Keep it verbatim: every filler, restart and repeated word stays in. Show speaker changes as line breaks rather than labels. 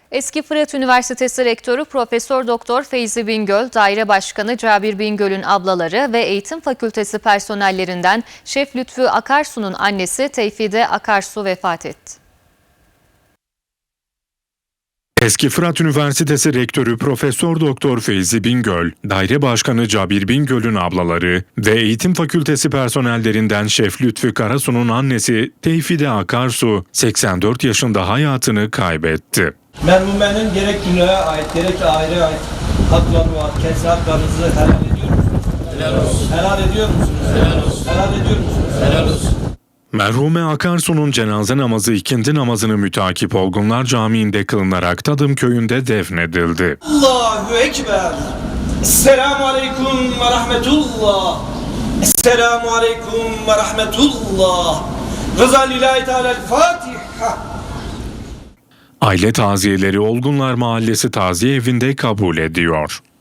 Eski Fırat Üniversitesi Rektörü Profesör Doktor Feyzi Bingöl, Daire Başkanı Cabir Bingöl'ün ablaları ve Eğitim Fakültesi personellerinden Şef Lütfü Akarsu'nun annesi Tevfide Akarsu vefat etti.
Eski Fırat Üniversitesi Rektörü Profesör Doktor Feyzi Bingöl, Daire Başkanı Cabir Bingöl'ün ablaları ve Eğitim Fakültesi personellerinden Şef Lütfü Akarsu'nun annesi Tevfide Akarsu seksen dört yaşında hayatını kaybetti.
Merhumenin gerek dünyaya ait gerek aileye ait hakları var. Kendi haklarınızı helal ediyor musunuz? Helal olsun. Helal ediyor musunuz? Helal olsun. Helal ediyor musunuz? Helal olsun.
Merhume Akarsu'nun cenaze namazı ikindi namazını mütakip Olgunlar Camii'nde kılınarak Tadım Köyü'nde defnedildi.
Allahu Ekber. Esselamu Aleyküm ve Rahmetullah. Esselamu Aleyküm ve Rahmetullah. Rıza lillahi teala'l-Fatiha.
Aile taziyeleri Olgunlar Mahallesi Taziye Evi'nde kabul ediyor.